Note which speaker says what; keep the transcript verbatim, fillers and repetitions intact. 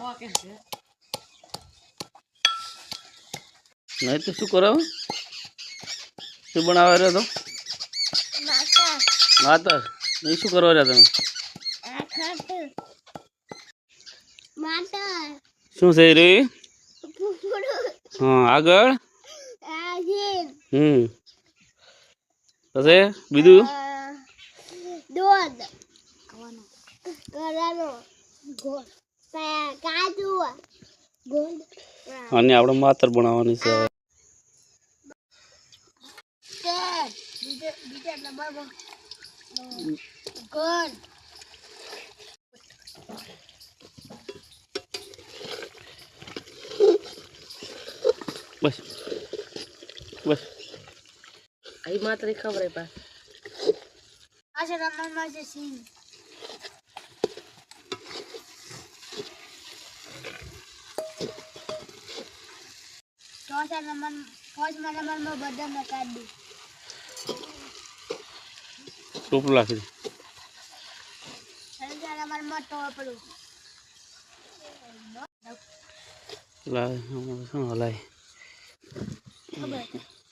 Speaker 1: नहीं तो शू करो शू बनावा रहे तो माता नहीं शू करवा रहा તમે शू सही रे हाँ આગળ हम्म પછી બીજું
Speaker 2: दूध करानो गोल काजू गोल
Speaker 1: અને આપણે માતર બનાવવાની છે
Speaker 2: તે બીજે બીજે નંબર गोल
Speaker 1: બસ બસ
Speaker 3: आई मात्र खबर है पास
Speaker 2: अच्छा नंबर में से सी चौथा नंबर पांचवा नंबर में बदल में काट दी
Speaker 1: टोप लाखी
Speaker 2: छठा नंबर में टोपलू
Speaker 1: ला हम हलाई